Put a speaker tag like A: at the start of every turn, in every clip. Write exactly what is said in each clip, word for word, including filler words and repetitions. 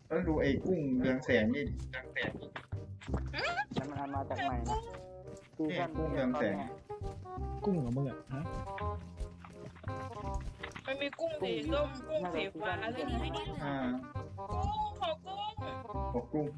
A: แล้วดูไอ้กุ้งเรืองแสงนี่ดิ
B: แล้วมันเอามาจากไหนนะซี
A: นี่
B: ซั่น
A: กุ้งเรืองแสง
C: กุ้งของมึงอ่ะฮะ
D: มันมีกุ้งสีส้มกุ้งสีฟ้าอะไรนี่
A: อ่า
D: กุ้งขอกุ้ง
A: ขอกุ้ง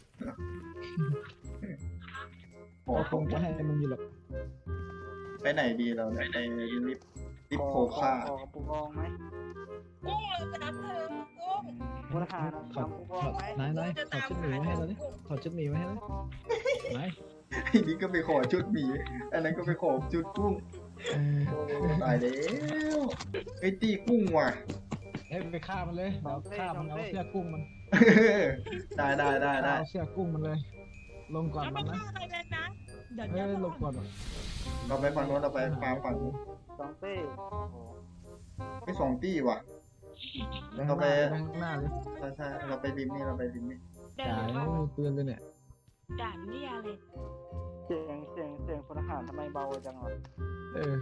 A: ขอ
C: เราค
A: กุ้
C: ง
A: ง
C: จะให้มึงอยู่หรอก
A: ไปไหนดีเราเนี่ยไปลิฟต์ลิฟต์โคค่า
B: ขอปูกองไหม
D: กุ้งเลยนะเธอกุ้ง
B: พลทหาร
C: ถอด
B: ทำปูก
C: ถ
B: อ
C: อง ด
B: ไหม
C: นายนายถอดชุดหมีไว้ให้เราดิถอดชุดหมีไว้ให้เราดินาย
A: ไอ้นี่ก็ไปขอชุดหมีอันนั้นก็ไปขอชุดกุ้ง
C: เออ
A: ตายแล้วไอ้ตีกุ้งว่ะ
C: เอ้ยไปฆ่ามันเลยเดี๋ยวฆ่ามันเอาเสื้อกุ้งมัน
A: ได้ได้ได้ได้
C: เอาเสื้อกุ้งมันเลย ลงก่อน
D: เอา
C: มั
D: ไม่
C: นนะ
D: ได้อะไรเลยนะเดี๋ยว
C: เฮ้
D: เดี๋ย
C: ยว ลงก่อน
A: เราไปฝั่งโน้นเราไปฟาร์มฝั่งนู้น
B: สองเต้โอ้
A: ไม่สองตี้ว่ะ
C: แบง
A: เรา
C: ค์ห
A: ไป
C: น้าแบงค์หน้าเลย
A: ใช่ใช่เราไปริมนี่เราไปริมนี่
D: เดี๋ยว
C: จ่าย
D: เดี๋ยว
C: ไม่มีปืนเลยเนี่ย
D: ด่านนี่อะไร
B: เสียงเสียงเสียงพลทหารทำไมเบาจังวะ
C: เออ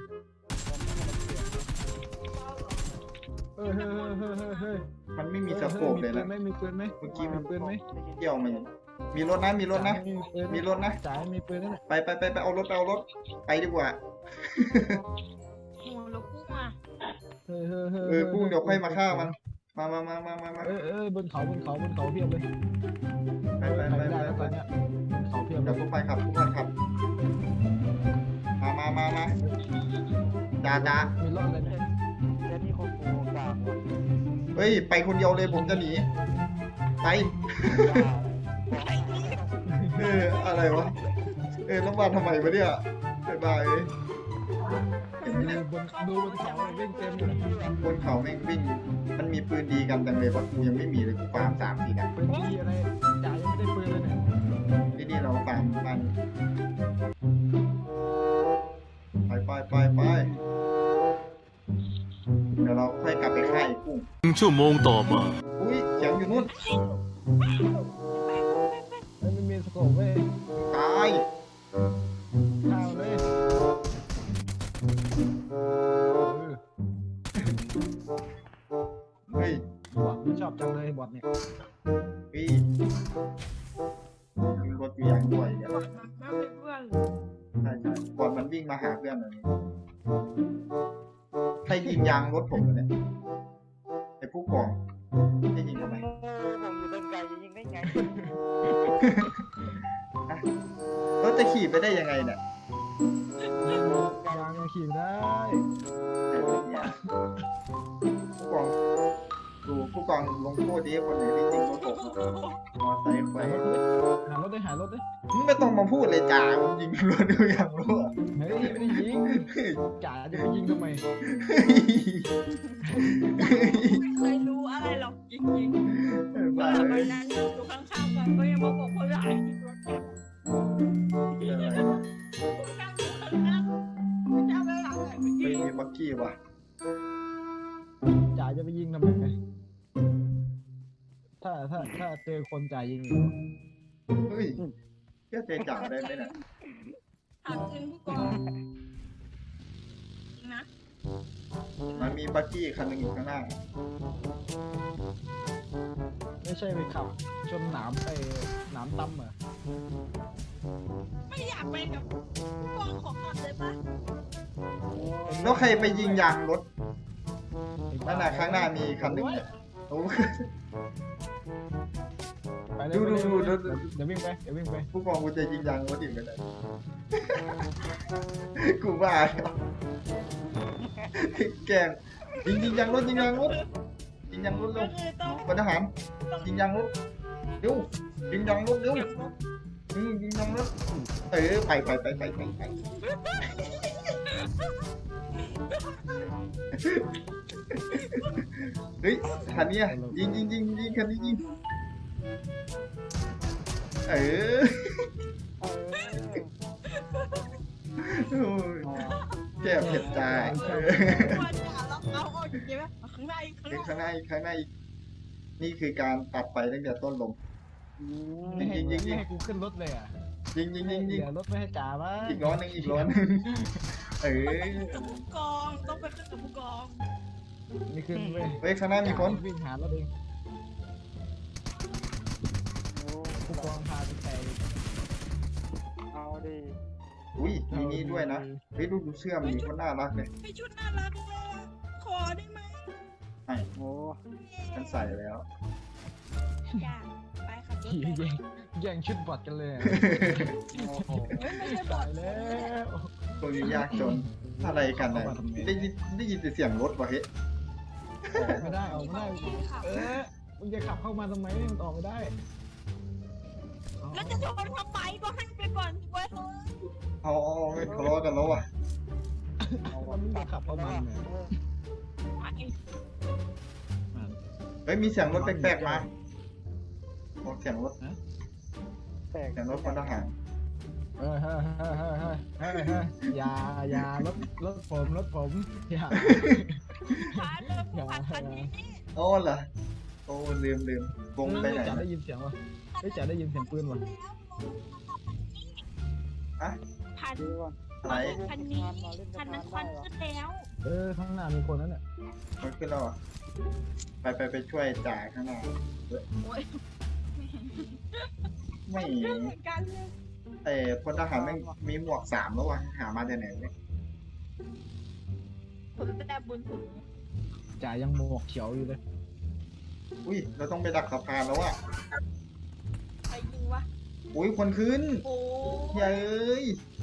C: เออเฮ้ยเฮ้ยเฮ้ยเฮ้ยเฮ้ย
A: มันไม่มีสโคปเลยนะ
C: มีปืนไหม
A: เมื่อกี้
C: มี
A: มัน
C: ปืนไหม
A: เกี่ยวมันมีรถนะมีรถนะ
C: มีปืน
A: มีรถนะ
C: จ่ายมีปืนนั่นแหละ
A: ไปไปไปไปเอารถไปเอารถไปดีกว่า
D: โอ้แล้วกุ้งอ่ะ
C: เฮ้ยเฮ้ยเฮ้ย
A: เออกุ้งเดี๋ยวค่อยมาฆ่ามัน มามามามามามา
C: เออเออบนเขาบนเขาบนเขาเพียบเลย
A: ไปไปไป
C: ไม่ได้
A: ไป
C: แล้ว
A: ไป
C: ตอนเนี้ยบนเขาเพียบเล
A: เดี๋ยวย พวกไปขับพวกไปขับ มามามามาจ้าจ้า
C: มีรถอะไรไหม
B: เดี๋ยวนี้คนปูกลางว่ะ
A: เฮ้ยไปคนเดียวเลยผมจะหนีไปเอออะไรวะเออแล้วมาทำไมวะเนี่ยบ๊ายบายเอ้ย
C: ดูบนดูบนเขาเลยวิ่งเต็มเลย
A: บนเขาแม่งวิ่งมันมีปืนดีกันจังเลยวะกูยังไม่มีเลยกูฟาร์มสามสี่นัด
C: ปืนดีอะไรจ่ายยังไม่ได้ปืนเลยเนี่ย
A: ที่นี่เราฟาร์มมันไปไปไปไปเดี๋ยวเราค่อยกลับไปค่ายกุ้ง
E: หนึ่งชั่วโมงต่อมา
A: อุ้ยเสียงอยู่นู่น
C: มันไม่มีสโคปเว้ย
A: ตาย
C: ข้าวเลยเออ
A: เฮ้ย
C: บอดมันชอบจังเลยบอดเนี่ย
A: พี่มีรถมียางด้วยเนี่ย
D: มาเป็นเพื่อน
A: ใช่ใช่ก่อนมันวิ่งมาหาเพื่อนเลยใครยิงยางรถผมเนี่ยไอ้ผู้กองได้ยิงทำไม
B: ผมอยู่ตรงไกลยิงได้ไง
A: รถจะขี่ไปได้ยังไงเนี่ย
C: ยางยังขี่ได้
A: ไอ้เนี่ยผู้กองดูผู้กองลงโทษดีคนไหนที่ยิงรถผมมอไซค์ไฟ
C: หารถได้หารถได้
A: มึงไม่ต้องมาพูดเลยจ่ามึงยิงรถดูอย่างรู้อะ
C: เฮ้ยไม่ได้ยิงจ่าจะไปยิงทำไม
D: ไม่เคยรู้อะไรหรอกจริงๆ
A: บ้า
D: เราไป
A: เอ้ย
D: นั่งอยู่ข้างๆกันก็ยังมาบอกว่าหลายที่รถเนี่ยไม่จำเวลาไหนเมื่อ
A: ไม่
D: กี้
A: มีบักกี้ว่ะ
C: จ่าจะไปยิงทำไมถ้าถ้าถ้าเจอคนจ่ายิงอยู่
A: เฮ้ยเชื่อใจจ่าได้ไหมเนี่ย
D: ถามจริงผู้กองนะ
A: มันมีบักกี้คันหนึงอยู่ข้างหน้า
C: ไม่ใช่ไปขับชนหนามไปหนามตั้มเหรอ
D: ไม่อยากไปกับผู้กองของขับเลยปะ
A: แล้วใครไปยิงยางรถนั่นน่ะข้างหน้ามีคันหนึงเนี่ยโอ้
C: ไปเลย
A: ดูดูดูดู
C: เดี๋ยววิ่งไปเดี๋ยววิ่งไป
A: ผู้กองกูจะยิงยางรถอีกไม่ได้ กูบ้าแล้วแกล้งยิงยิงยางรถยิงยางรถยิงยางรถเร็ว
D: คือต้อง
A: พลทหารยิงยางรถเร็วยิงยางรถเร็วอืมยิงยางรถเออไปไปไปไปไปไปเฮ้ยคันเนี้ยยิงยิงยิงยิงคันนี้ยิงเออ
B: เออ
A: โอ้ยแก้เผ็ดจ้าเออ
D: ว่าจะเราเอาออกจริงไหมข้างในข้าง
A: เป็น
D: ใน
A: ข้างหน้าอีกข้างหน้าอีกนี่คือการตัดไปตั้งแต่ต้นลม
B: อืม
C: ไม่ให้
A: ยิงๆๆ
C: ไม่ให้กูขึ้นรถเลยอ่ะ
A: ยิงยิงยิงยิง
C: เดี๋ยวรถไม่ให้จ่าบ้าง
A: อีกร้อนหนึงอีกร้อนหนึงเออ
D: กับผู้กองต้องไปขึ้นกับผู้กอง
C: ไม่ขึ้นเว้ย
A: เฮ้ยข้างหน้ามีคน
C: วิ่งหารถเองวางพาไปแตก
B: เอาดิ
A: อุ้ยมีนี่ด้วยนะเฮ้ยดูดูเสื้อมันมีคนน่ารักเลย
D: ไปชุดน่ารักเลยอะขอได้ไหม
A: ให้
B: โอ้
A: ฉันใส่แล้ว
D: จ้าไปขับรถ
C: ขี่
D: ไป
C: แย่งแย่งชุดบอดกันเลยอะ
B: โอ้โห
D: เฮ้ยไม่ใช่บอ
C: ตา
D: ด
C: ยแล้ว
A: ตรงนี้ยากจนอะไรกันนะได้ยินได้ยินแต่เสียงรถวะเฮ้ย
C: ออกไม่ได้ออกไม่ได้
D: ที่ขับ
C: เออมึงจะขับเข้ามาทำไมมันออกไม่ได้เอา
D: แล้วจะชนทำไมก็ให้ไปก่อนสิเว้ย
A: เอาเอาเอาไม่ทะเลาะกันแล้วอ่ะ
B: เอา
C: มันมึงจะขับเข้ามาเนี่ย
B: เออ
D: ไป
A: เฮ้ยมีเสียงรถแปลกๆมาบอกเสียงรถ
B: แตก
A: เสียงรถพลทหาร
C: เออเฮ้ยเฮ้ยเฮ้ยเฮ้ยเฮ้ยเฮ้ยอย่าอย่ารถรถผมรถผมอย่า
D: พาเดินผ่านคันนี้
A: โอ้เหรอโอ้ลืมลืมวงไปไหน
C: จ๋าได้ยินเสียงวะได้จ๋าได้ยินเสียงปืนวะ
A: อะ
D: ผ่าน
B: ดูก่อน
A: อะไร
D: คันนี้คันนั้นควันขึ้นแล้ว
C: เออข้างหน้ามีคนนั่นแหละ
A: มันขึ้นแล้วเหรอไปไปไปช่วยจ่าข้างหน้า
D: โอ้ย
A: ไม่
D: เรื่องเหมือนกันเลย
A: ไอ้พลทหารแม่งมีหมวกสามแล้ววะหามาจากไหนเนี่ย
D: คนแต่บุญถึง
C: จ๋ายังหมวกเขียวอยู่เลย
A: อุ้ยเราต้องไปดักสะพานแล้วอะ
D: ใครยิงวะ
A: อุ้ยคนขึ้น
D: โอ้
A: เย้ย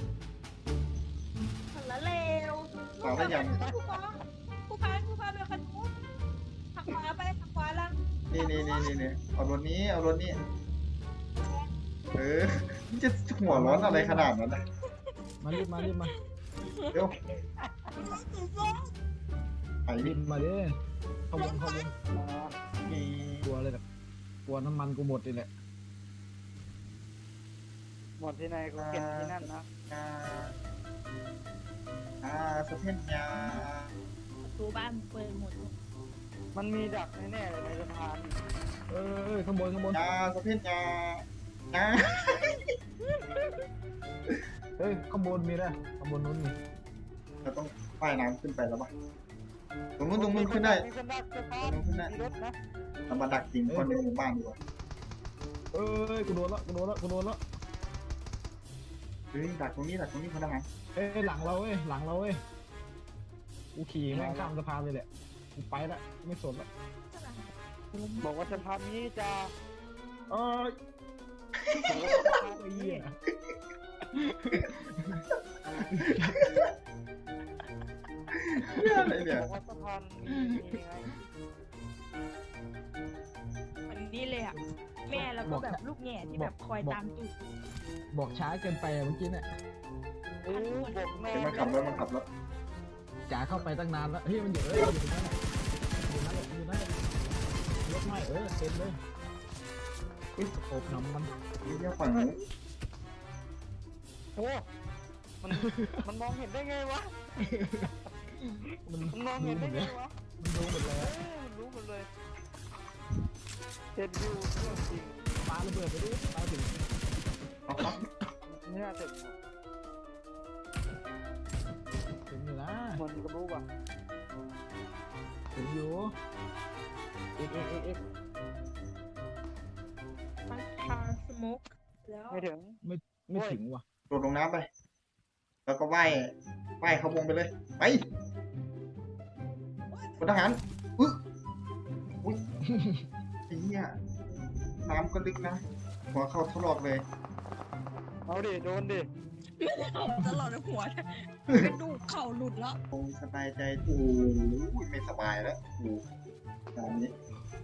D: คนละเลว
A: สาวแล้วยัง
D: ผู้กองผู้พันผู้พันเป็นคนนู้นทางขวาไปทางขวาล่าง
A: นี่นี่นี่นี่นี่เอารถนี้เอารถนี้เออนี่จะหัวร้อนอะไรขนาดนั้นนะ
C: มารีบมารีบมา
A: เดี๋ยวไอ้
C: รี
A: นี่
C: บมาดิขบวนขบวน
B: มา
A: มี
C: กลัวเลยแบบกลัวน้ำมันกูหมดเลยแหละ
B: หมดที่ไหนกูเก็บที่นั่นนะ
A: อ่าอ่าสะเพนยา
D: ประตูบ้านเปิดหมด
B: มันมีดักแน่ๆเลยในสะพาน
C: เออข้างบนข้างบน
A: ยาสะเพนยาอ่า
C: เฮ้ยข้างบนมีแล้วข้างบนนู้นมี
A: เราต้องว่ายน้ำขึ้นไปแล้วปะตรงนู้นตรงนู้นขึ้นได้
B: มีคนดักสะพาน
A: ตรงนู้นขึ้นได้
B: มีรถนะ
A: เรามาดักยิงคนในหมู่บ้านดีกว่า
C: เอ้ยกูโดนละกูโดนละกูโดนละ
A: เฮ้ยดักตรงนี้ดักตรงนี้พนักงาน
C: เอ้ยหลังเราเว้ยหลังเราเว้ยกูขี่แม่งข้ามสะพานเลยแหละกูไปละไม่สนละ
B: บอกว่าสะพานนี้จะ
C: เอ้ย
B: บอกว่าสะพาน
C: ไอ้
B: นี้
C: เหี้ย
A: อะไรเนี่ย
B: บอกว่าสะพานนี้ไง
D: วันนี้เลยอ่ะ แม่แล้วก็แบบลูกแง่ที่แบบคอยตามตูด
C: บอกช้าเกินไปอะเมื่อกี้เนี่ย
B: เออบอกแม่
A: เดี๋ยวมันขับรถมันขับรถ
C: จ๋าเข้าไปตั้งนานแล้วเฮ้ยมันอยู่เอ้ยอยู่ตรงนั้นแหละอยู่นั่นแหละอยู่นั่นแหละยกไม่เออเต็มเลยอุ้ยโอบน้ำมัน
A: นี่เรียกฝั่งนู้น
B: โอ้มันมันมองเห็นได้ไงวะ
C: มัน
B: มันมองเห็นได้ไงวะ
C: มันรู้หมดเลย
B: เอ้ยมันรู้หมดเลยเห็นอยู่เรื่องจริง
C: ปาระเบิดไปดิปาถึง
A: เอาครับ
B: เนี่ยถึง
C: ถึงอยู่นะ
B: มันก็รู้ป่ะ
C: ถึงอยู่เอ็กเอ็กเอ็กเอ็ก
D: มันคาสโมกแล้ว
B: ไม่ถึง
C: ไม่ถึงว่ะ
A: โดดลงน้ำไป แล้วก็ว่ายว่ายเข้าวงไปเลย ไปพลทหารอุ๊ยอุ้ยไอ้เหี้ยน้ำก็ลึกนะ หัวเข้าทะลอกเลย
B: เอาดิโดนดิ
D: ตลอดหัวกระดูกเข่าหลุดแล้ว
A: คงสบายใจโอ้ยไม่สบายแล้วโอ้ตอนนี้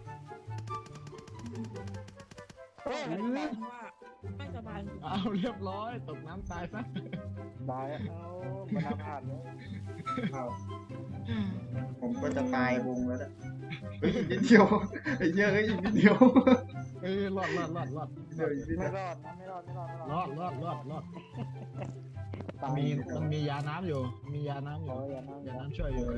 B: เฮ้ย
D: ว่าไม่สบาย
C: เอาเรียบร้อยตกน้ำตายซะ
B: ตายเอามันอาผ่านเลย
A: เอาผมก็จะตายวงแล้วนะเฮ้ยอีกนิดเดียวไอ้เหี้ยเฮ้ยอีกนิดเดียว
C: เอ้ยรอดรอดรอดรอด
A: เดี๋ยวอีกนิด
B: ไม่
A: เดียว
B: รอดนะไม่รอดไม่รอดไม่
C: ร
B: ร
C: อ
B: อด
C: ดรอดรอดรอด
B: ตาย
C: มีมันมียาน้ำอยู่ มียาน้ำอ
B: โอ้
C: ยู่
B: ยอย่านั่ง
C: ยาน้ำช่วยอยู่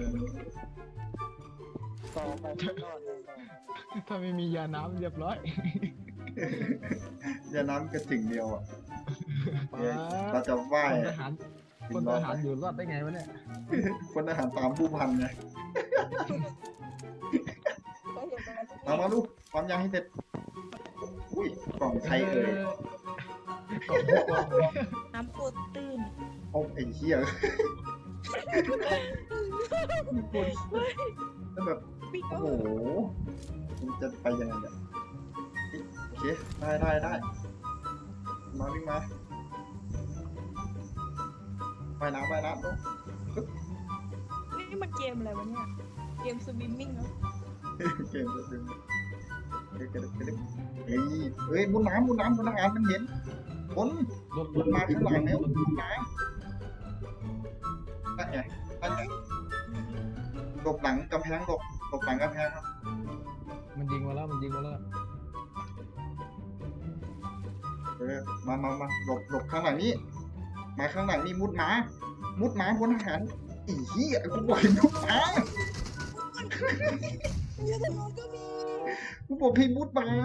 B: ต่อไปไม่รอดแน่นอน
C: ถ้าไม่มียาน้ำเรียบร้อย
A: อย่าน้ำกระถึงเดียวอ่ะ
C: ป้า
A: เนี่ยเราจะว่าย
C: คนทหารคนทหารอยู่รอดได้ไงวะเนี่ย
A: คนทหารตามผู้พันไงมามาลูกความยางให้เสร็จ อุ้ยกกล่องใครเอ่ย
C: กล่องผู้กองเลย
D: น้ำโคตรตื้น
A: โอ้ไอ้เหี้ยแล้วแบบ
D: ปิ๊ก
A: โอ้
D: ก็
A: โหมันจะไปยังไงเนี่ยโอเคได้ได้ได้มาวิ่งมาไปน้ำไปน้ำลูก
D: นี่มันเกมอะไรวะเนี่ยเกมสวิมมิ่งเนาะ
A: เก่งเลยเก่งเก่งเก่งเฮ้ยเฮ้ยมุนน้ำมุนน้ำพนักงานมันเห็นคน
C: รถ
A: ร
C: ร
A: ถ
C: ถ
A: มาข้างหลังแล้วมุนน้ำนั่นไงนั่นไงหลบหลังกำแพงหลบหลบหลังกำแพงครับ
C: มันยิงมาแล้วมันยิงมาแล้ว
A: เออมามามาหลบหลบข้างหลังนี้มาข้างหลังนี่มุดหมามุดหมาพลทหารอีเหี้ยกูบอกให้มุดหมา
D: เยอะทางโน้นก็มี
A: กูบอกให้มุดหมา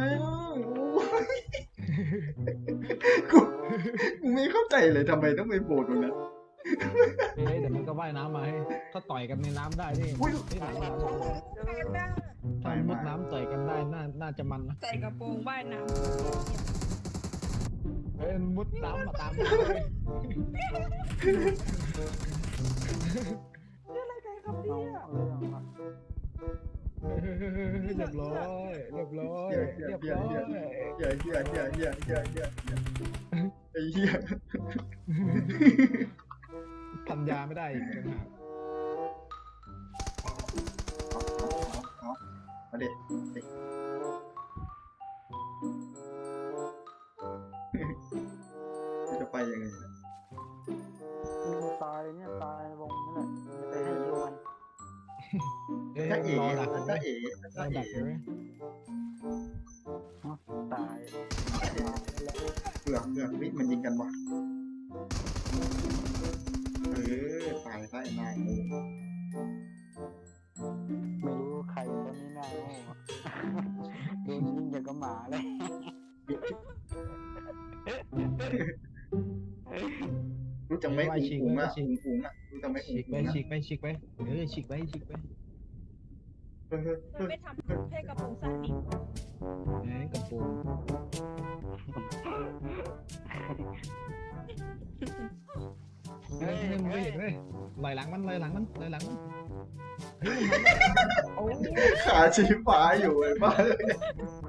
A: กูกูไม่เข้าใจเลยทำไมต้องไปโบดตรงนั้น
C: เฮ้ยแต่มันก็ว่ายน้ำมาให้ถ้าต่อยกันในน้ำได้นี่
A: อุ้ย
C: ที่ไหน
D: ใส่
C: น้
D: กระโปรงว่ายน้
C: ำถ้ามุดน้ำต่อยกันได้น่าน่าจะมันนะ
D: ำใส่กระโปรงว่ายน้
C: เฮ้ยมุดน้ำมาตามเลย
D: ำนี่อะไรกันครับเนี่ย
C: เรียบร้อยเรียบร้อยเรียบร้อย
A: เหี้ยเหี้ยเหี้ยเหี้ยเหี้ยเหี้ยเหี้ยไอ้เหี้ย
C: พันยาไม่ได้อีกต่างหาก
A: เอาเอาเอามาเด็ดจะไปยังไง
B: ตายเนี่ยตายวงนี่แหละไปให้ดูมัน
C: เอ้ย
A: ถ้าเอ๋
C: รอดัก
A: ถ้าเอ๋
C: ร
A: ถ้า
C: อ
A: เอ๋
C: ดักเลย
B: ตาย
A: เปลือกเปลือกวิมันยิงกันวะเออตายได้นายโอ้
B: ไม่รู้ใครตอนนี้หน้าโง่โดนยิงอย่างกับหมาเลย
A: รู้จักไหมอุ๋งอุ๋งอ่ะอุ๋งอุ๋งอ่ะรู้จักไหมอุ๋ง
C: ฉีกไป
A: อุ๋งอ่ะ
C: ฉีกไปฉีกไปเออฉีกไปฉีกไป
A: เออเออเอ
D: มัน
A: อ
D: ไม่ทำให้กระโปรงสั้นดิ
C: เอ้ยกระโปรงเฮ้ยมึงไม่เห็นเลยลอยหลังมันลอยหลังมันลอยหลังมันเฮ้ยมันมาแล้วโอ้
A: ขาชี้ฟ้าอยู่ไอ้บ้า